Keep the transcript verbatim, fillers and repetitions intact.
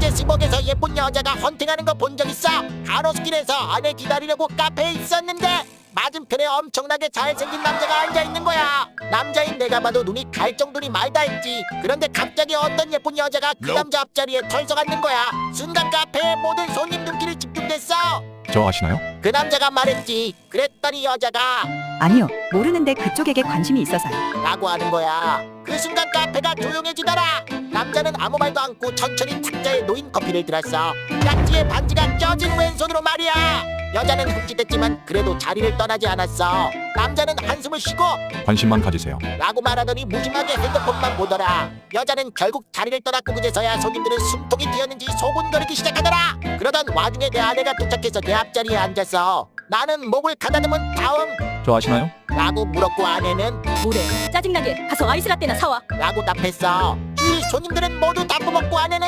그제 스벅에서 예쁜 여자가 헌팅하는 거 본 적 있어. 가로수길에서 아내 기다리려고 카페에 있었는데 맞은편에 엄청나게 잘생긴 남자가 앉아있는 거야. 남자인 내가 봐도 눈이 갈 정도니 말다 했지. 그런데 갑자기 어떤 예쁜 여자가 그 남자 앞자리에 털썩 앉는 거야. 순간 카페의 모든 손님 눈길이 집중됐어. 저 아시나요? 그 남자가 말했지. 그랬더니 여자가 아니요, 모르는데 그쪽에게 관심이 있어서요. 라고 하는 거야. 그 순간 카페가 조용해지더라. 남자는 아무 말도 않고 천천히 탁자에 놓인 커피를 들었어. 깍지에 반지가 껴진 왼손으로 말이야. 여자는 흠칫했지만 그래도 자리를 떠나지 않았어. 남자는 한숨을 쉬고 관심만 가지세요. 라고 말하더니 무심하게 핸드폰만 보더라. 여자는 결국 자리를 떠났고 그제서야 손님들은 숨통이 튀었는지 소곤거리기 시작하더라. 그러던 와중에 내 아내가 도착해서 내 앞자리에 앉았어. 나는 목을 가다듬은 다음 저 아시나요? 라고 물었고 아내는 뭐래? 짜증나게 가서 아이스라떼나 사와. 라고 답했어. 주위 손님들은 모두 다 뽑았고 아내는